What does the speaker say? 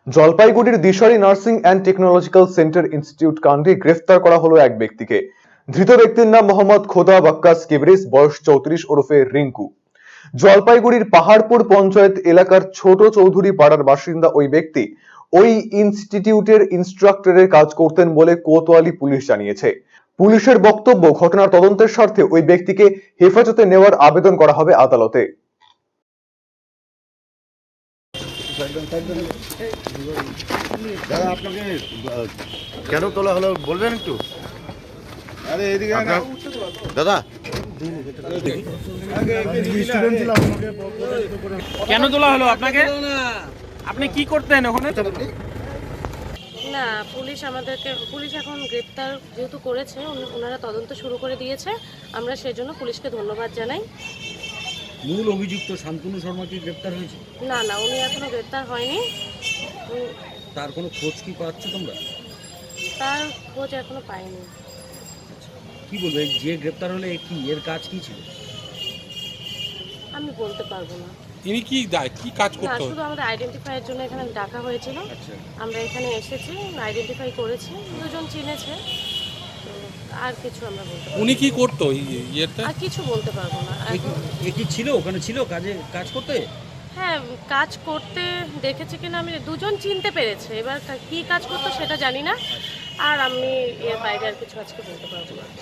জলপাইগুড়ির Dishari nursing and technological centre institute কাণ্ডে গ্রেফতার করা হলো এক ব্যক্তিকে। ধৃত ব্যক্তির নাম মোহাম্মদ খোদা বাক্কাস কিবরিস, বয়স 34, ওরফে রিঙ্কু। জলপাইগুড়ির পাহাড়পুর পঞ্চায়েত এলাকার ছোট চৌধুরী পাড়ার বাসিন্দা ওই ব্যক্তি ওই ইনস্টিটিউটের ইনস্ট্রাক্টরের কাজ করতেন বলে কোতোয়ালি পুলিশ জানিয়েছে। পুলিশের বক্তব্য, ঘটনার তদন্তের স্বার্থে ওই ব্যক্তিকে হেফাজতে নেওয়ার আবেদন করা হবে আদালতে। দাদা আপনাকে কেন তোলা হলো বলবেন একটু? আরে এদিকে দাদা কেন তোলা হলো আপনাকে? আপনি কি করতেন ওখানে? না, পুলিশ এখন গ্রেপ্তার যেহেতু করেছে, ওনারা তদন্ত শুরু করে দিয়েছে। আমরা সেজন্য পুলিশকে ধন্যবাদ জানাই। মূল অভিযুক্ত শান্তনু শর্মা কি গ্রেপ্তার হয়েছে? না, উনি এখনো গ্রেপ্তার হয়নি। তার কোনো খোঁজ কি পাচ্ছ তোমরা? তার খোঁজ এখনো পাইনি। কি বলবে, যে গ্রেপ্তার হলে কি এর কাজ কি ছিল? আমি বলতে পারবো না। ইনি কি কাজ না, করতে? শুধু আমাদের আইডেন্টিফাইয়ের জন্য এখানে ডাকা হয়েছিল। আচ্ছা, আমরা এখানে এসেছি, আইডেন্টিফাই করেছি, দুজন চিনেছে, তো আর কিছু আমরা বলতে পারবো না। উনি কি করতো ইয়েতে? আর কিছু বলতে পারবো না এখন। এ কি ছিল ওখানে, ছিল কাজ করতে? হ্যাঁ, কাজ করতে দেখেছি কিনা আমি, দুজন চিনতে পেরেছে। এবার কি কাজ করতো সেটা জানি না। আর আমি এর বাইরে আর কিছু আজকে বলতে পারবো না।